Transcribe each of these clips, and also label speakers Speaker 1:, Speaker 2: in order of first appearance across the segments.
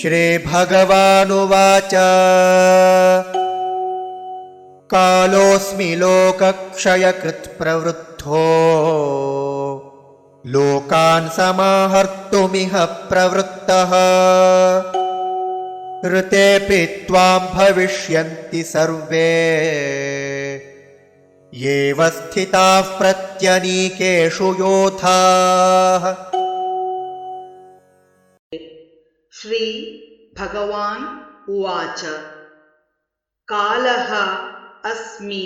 Speaker 1: श्रीभगवानुवाच कालोऽस्मि लोकक्षयकृत् प्रवृद्धो लोकान् समाहर्तुमिह प्रवृत्तः ऋतेऽपि त्वां भविष्यन्ति सर्वे येव स्थिताः प्रत्यनीकेषु योधाः।
Speaker 2: श्री भगवान् उवाच कालः अस्मि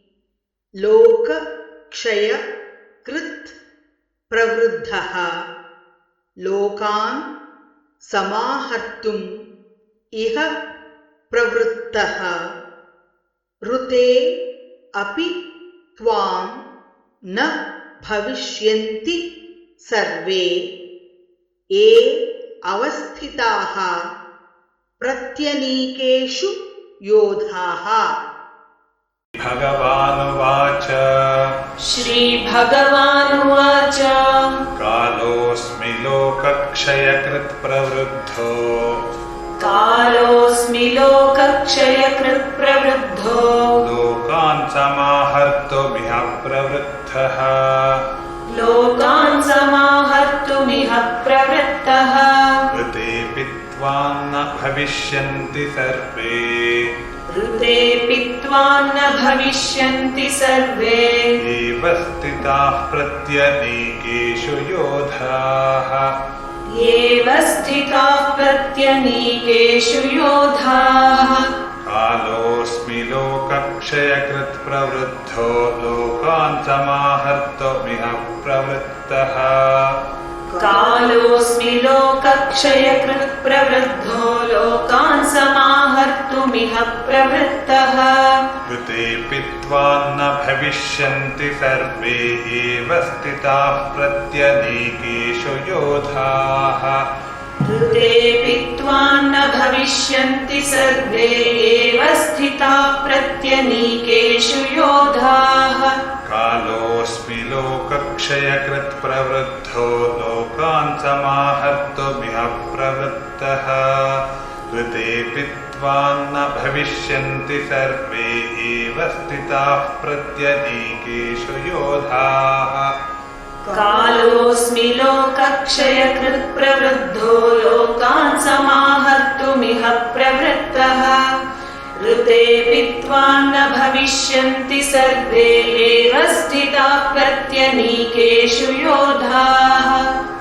Speaker 2: लोकक्षयकृत् प्रवृद्धः लोकान् समाहर्तुम् इह प्रवृत्तः ऋते अपि त्वां न भविष्यन्ति सर्वे ये अवस्थिताः प्रत्यनीकेषु योधाः।
Speaker 3: भगवानुवाच
Speaker 4: श्रीभगवानुवाच
Speaker 3: कालोऽस्मि लोकक्षयकृत् प्रवृद्धो
Speaker 4: कालोऽस्मि लोकक्षयकृत् प्रवृद्धो
Speaker 3: लोकान् समाहर्तुमिह प्रवृत्तः
Speaker 4: लोकान् समाहर्तुमिह प्रवृत्तः
Speaker 3: ऋतेऽपि त्वां न भविष्यन्ति सर्वे
Speaker 4: ऋतेऽपि त्वां न भविष्यन्ति सर्वे
Speaker 3: एव स्थिताः प्रत्यनीकेषु योधाः
Speaker 4: येव स्थिताः प्रत्यनीकेषु योधाः।
Speaker 3: कालोऽस्मि लोकक्षयकृत् प्रवृद्धो लोकान् समाहर्तुमिह प्रवृत्तः
Speaker 4: कालोऽस्मि लोकक्षयकृत् प्रवृद्धो लोकान् समाहर्तुमिह प्रवृत्तः
Speaker 3: ऋतेऽपि त्वां न भविष्यन्ति सर्वे एव स्थिताः प्रत्यनीकेषु योधाः
Speaker 4: ऋतेऽपि त्वां न भविष्यन्ति सर्वे एव स्थिताः प्रत्यनीकेषु योधाः।
Speaker 3: कालोऽस्मि लोकक्षयकृत् प्रवृद्धो लोकान् समाहर्तुमिह प्रवृत्तः ऋतेऽपि त्वां न भविष्यन्ति सर्वे एव स्थिताः प्रत्यनीकेषु योधाः
Speaker 4: कालोऽस्मि लोकक्षयकृत् प्रवृद्धो लोकान् समाहर्तुमिह प्रवृत्तः ऋतेऽपि त्वां न भविष्यन्ति सर्वे एव स्थिताः प्रत्यनीकेषु योधाः।